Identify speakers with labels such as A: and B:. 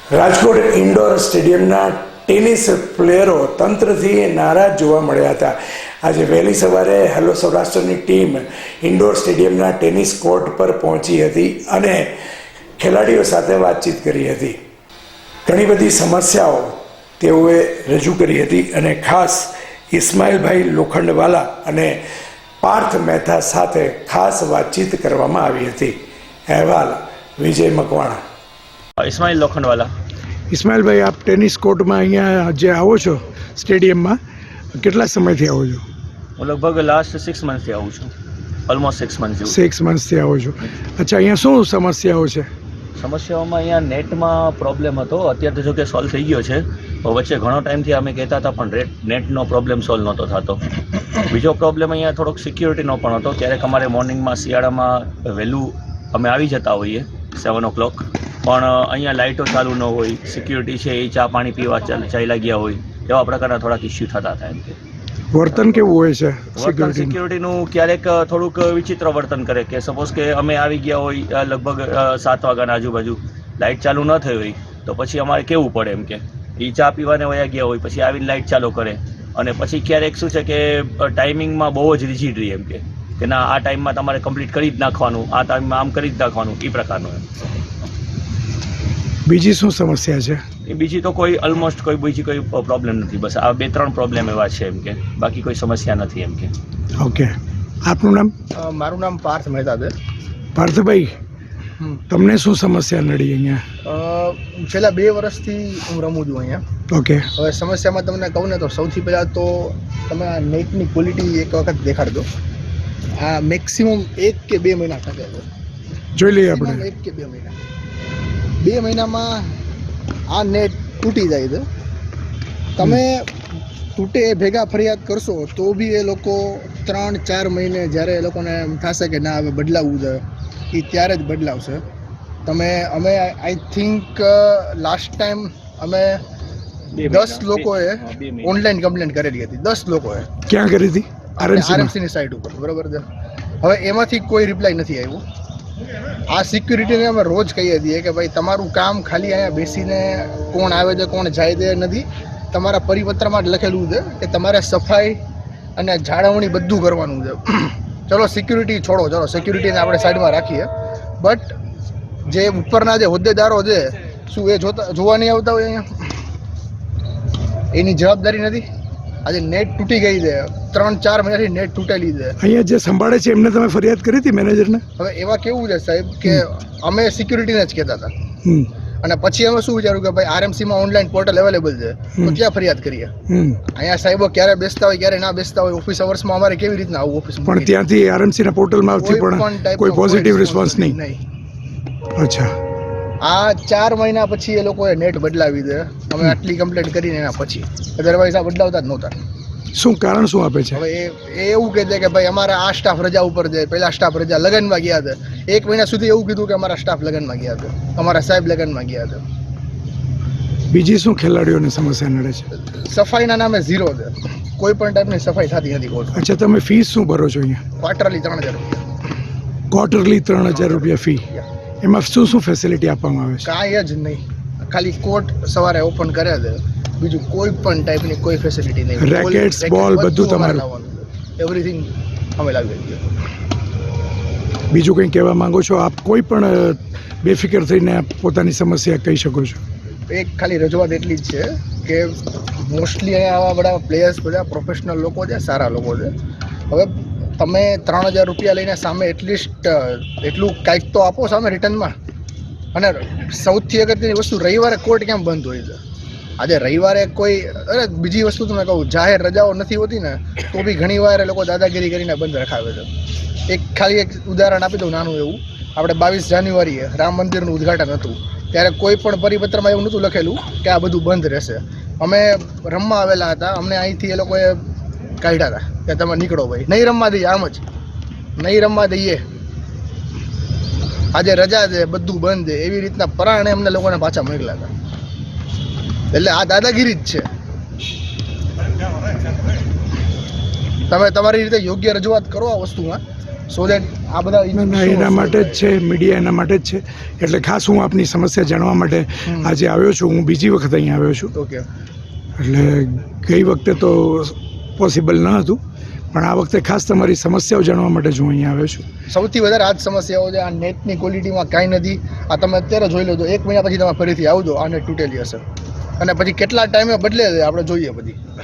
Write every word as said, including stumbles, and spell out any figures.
A: Rajkot indoor સ્ટેડિયમના tennis પ્લેયરો તંત્રથી નારાજ જોવા મળ્યા હતા. આજે વહેલી સવારે હેલો સૌરાષ્ટ્રની ટીમ ઇન્ડોર સ્ટેડિયમના ટેનિસ કોર્ટ પર પહોંચી હતી અને ખેલાડીઓ સાથે વાતચીત કરી હતી. ઘણી બધી સમસ્યાઓ તેઓએ રજૂ કરી હતી અને ખાસ ઇસ્માઇલભાઈ લોખંડવાલા અને પાર્થ મહેતા સાથે ખાસ વાતચીત કરવામાં આવી હતી. અહેવાલ વિજય મકવાણા.
B: ઇસ્માઇલ લોખંડવાલા.
C: ઇસ્માઇલભાઈ, આપ ટેનિસ કોર્ટમાં અહીંયા જે આવો છો સ્ટેડિયમમાં, કેટલા સમયથી આવો છો?
B: હું લગભગ લાસ્ટ સિક્સ મંથથી આવું છું. ઓલમોસ્ટ સિક્સ મંથ જેવું.
C: સિક્સ મંથથી આવો છો. અચ્છા, અહીંયા શું સમસ્યાઓ છે?
B: સમસ્યાઓમાં અહીંયા નેટમાં પ્રોબ્લેમ હતો. અત્યારે તો જો કે સોલ્વ થઈ ગયો છે. વચ્ચે ઘણો ટાઈમથી અમે કહેતા હતા પણ રેટ નેટનો પ્રોબ્લેમ સોલ્વ નહોતો થતો. બીજો પ્રોબ્લેમ અહીંયા થોડોક સિક્યુરિટીનો પણ હતો. ક્યારેક અમારે મોર્નિંગમાં શિયાળામાં વહેલું અમે આવી જતા હોઈએ સેવન ઓ ક્લોક, પણ અહીંયા લાઇટો ચાલુ ન હોય, સિક્યુરિટી છે એ ચા પાણી પીવા ચાલ્યા ગયા હોય, એવા પ્રકારના થોડાક ઇસ્યુ થતા હતા. એમ કે
C: વર્તન કેવું હોય છે
B: વર્તન સિક્યુરિટીનું? ક્યારેક થોડુંક વિચિત્ર વર્તન કરે કે સપોઝ કે અમે આવી ગયા હોય લગભગ સાત વાગ્યાના આજુબાજુ, લાઇટ ચાલુ ન થઈ હોય તો પછી અમારે કેવું પડે એમ કે એ ચા પીવાને વયા ગયા હોય, પછી આવીને લાઇટ ચાલુ કરે અને પછી ક્યારેક શું છે કે ટાઈમિંગમાં બહુ જ રિજિડ રહી એમ કે કે ના આ ટાઈમમાં તમારે કમ્પ્લીટ કરી જ નાખવાનું, આ ટાઈમમાં આમ કરી જ નાખવાનું, એ પ્રકારનું એમ.
C: બીજી શું સમસ્યા છે?
B: એ બીજી તો કોઈ ઓલમોસ્ટ કોઈ બીજી કોઈ પ્રોબ્લેમ નથી. બસ આ બે ત્રણ પ્રોબ્લેમ એવા છે એમ કે બાકી કોઈ સમસ્યા નથી એમ કે.
C: ઓકે, આપનું નામ?
D: મારું નામ પાર્થ મહેતા છે.
C: પાર્થભાઈ, તમને શું સમસ્યા નડી અહીંયા?
D: છેલ્લા બે વર્ષથી હું રમું છું અહીંયા.
C: ઓકે.
D: હવે સમસ્યામાં તમને કહું ને તો સૌથી પહેલાં તો તમે આ નેટની ક્વોલિટી એક વખત દેખાડજો. આ મેક્સિમમ એક કે બે મહિના થશે.
C: જોઈ લઈએ આપણે.
D: એક કે બે મહિના બે મહિનામાં આ નેટ તૂટી જાય છે. તમે તૂટે એ ભેગા ફરિયાદ કરશો તો બી એ લોકો ત્રણ ચાર મહિને જ્યારે એ લોકોને એમ થશે કે ના હવે બદલાવવું છે એ ત્યારે જ બદલાવશે. તમે અમે આઈ થિંક લાસ્ટ ટાઈમ અમે દસ લોકોએ ઓનલાઈન કમ્પ્લેન્ટ કરેલી હતી. દસ લોકોએ.
C: ક્યાં કરી હતી?
D: આરએમસીની સાઇટ ઉપર. બરાબર છે. હવે એમાંથી કોઈ રિપ્લાય નથી આવ્યો. આ સિક્યુરિટીને અમે રોજ કહીએ છીએ કે ભાઈ તમારું કામ ખાલી અહીંયા બેસીને કોણ આવે છે કોણ જાય છે નથી. તમારા પરિપત્રમાં જ લખેલું છે કે તમારે સફાઈ અને જાળવણી બધું કરવાનું છે. ચલો સિક્યુરિટી છોડો, ચલો સિક્યુરિટીને આપણે સાઈડમાં રાખીએ, બટ જે ઉપરના જે હોદ્દેદારો છે શું એ જોતા જોવા નહીં આવતા હોય અહીંયા? એની જવાબદારી નથી? આજે નેટ તૂટી ગઈ છે, ત્રણ ચાર મહિનાથી નેટ તૂટેલી છે.
C: અહીંયા જે સંભાળે છે એમને તમે ફરિયાદ કરી હતી મેનેજરને?
D: હવે એમાં કેવું છે સાહેબ કે અમે સિક્યુરિટીને જ કહેતા હતા અને પછી અમે શું વિચાર્યું કે ભાઈ આરએમસીમાં ઓનલાઈન પોર્ટલ અવેલેબલ છે તો ક્યાં ફરિયાદ કરીએ? અહીંયા સાહેબો ક્યારે બેસતા હોય ક્યારે ના બેસતા હોય. ઓફિસ અવર્સમાં અમારે કેવી રીતના આવું ઓફિસ?
C: પણ ત્યાંથી આરએમસીના પોર્ટલમાંથી પણ કોઈ પોઝિટિવ રિસ્પોન્સ નહીં?
D: નહીં.
C: અચ્છા.
D: આ ચાર મહિના પછી એ લોકોએ નેટ બદલાવી દે. અમે આટલી કમ્પ્લેન્ટ કરીને એના પછી, અધરવાઇઝ આ બદલાવતા જ નહોતા.
C: શું કારણ શું આપે છે?
D: હવે એ એવું કહે છે કે ભાઈ અમારા આ સ્ટાફ રજા ઉપર છે, પેલા સ્ટાફ રજા લગ્નમાં ગયા હતા. એક મહિના સુધી એવું કીધું કે અમારા સ્ટાફ લગ્નમાં ગયા હતા, અમારા સાહેબ લગ્નમાં ગયા હતા.
C: બીજી શું ખેલાડીઓને સમસ્યા નડે છે?
D: સફાઈના નામે ઝીરો છે. કોઈ પણ ટાઈપની સફાઈ થતી નથી કોર્ટ.
C: અચ્છા, તમે ફીસ શું ભરો છો અહીંયા?
D: ક્વાર્ટરલી ત્રણ હજાર રૂપિયા.
C: ક્વાર્ટરલી ત્રણ હજાર રૂપિયા ફી. એમાં શું શું ફેસિલિટી આપવામાં આવે છે?
D: કાંઈ જ નહીં. ખાલી કોર્ટ સવારે ઓપન કરે છે, બીજું કોઈ પણ ટાઈપની કોઈ ફેસિલિટી નહીં.
C: રેકેટ્સ, બોલ બધું તમારું?
D: એવરીથિંગ અમે લાવી દઈએ.
C: બીજું કંઈ કહેવા માંગો છો આપ? કોઈ પણ બેફિકર થઈને આપ પોતાની સમસ્યા કહી શકો છો.
D: એક ખાલી રજૂઆત એટલી જ છે કે મોસ્ટલી અહીંયા આવા બધા પ્લેયર્સ બધા પ્રોફેશનલ લોકો છે, સારા લોકો છે. હવે તમે ત્રણ હજાર રૂપિયા લઈને સામે એટલીસ્ટ એટલું કાંઈક તો આપો સામે રિટર્નમાં. અને સૌથી અગત્યની વસ્તુ, રવિવારે કોર્ટ કેમ બંધ હોય છે? આજે રવિવારે કોઈ, અરે બીજી વસ્તુ તમે કહું, જાહેર રજાઓ નથી હોતી ને તો બી ઘણી વાર એ લોકો દાદાગીરી કરીને બંધ રખાવે છે. એક ખાલી એક ઉદાહરણ આપી દઉં નાનું એવું. આપણે બાવીસ જાન્યુઆરીએ રામ મંદિરનું ઉદ્ઘાટન હતું ત્યારે કોઈ પણ પરિપત્રમાં એવું નહોતું લખેલું કે આ બધું બંધ રહેશે. અમે રમવા આવેલા હતા, અમને અહીંથી એ લોકોએ કાઢ્યા હતા કે તમે નીકળો ભાઈ, નહીં રમવા દઈએ. આમ જ નહીં રમવા દઈએ, આજે રજા છે, બધું બંધ છે, એવી રીતના પરાણે અમને લોકોને પાછા મોકલ્યા હતા. એટલે આ દાદાગીરી જ છે. તમે તમારી રીતે યોગ્ય રજૂઆત કરો આ વસ્તુમાં, સો દેટ આ બધા
C: ના ના એના માટે જ છે, મીડિયા એના માટે જ છે. એટલે ખાસ હું આપની સમસ્યા જાણવા માટે આજે આવ્યો છું. હું બીજી વખત અહીંયા આવ્યો છું.
D: ઓકે.
C: એટલે ગઈ વખતે તો પોસિબલ ન હતું, પણ આ વખતે ખાસ તમારી સમસ્યાઓ જાણવા માટે જ હું અહીંયા આવ્યો છું.
D: સૌથી વધારે આ જ સમસ્યાઓ છે. આ નેટની ક્વોલિટીમાં કાંઈ નથી. આ તમે અત્યારે જોઈ લો તો એક મહિના પછી તમે ફરીથી આવજો, આ નેટ તૂટેલી હશે અને પછી કેટલા ટાઈમે બદલે છે આપણે જોઈએ પછી.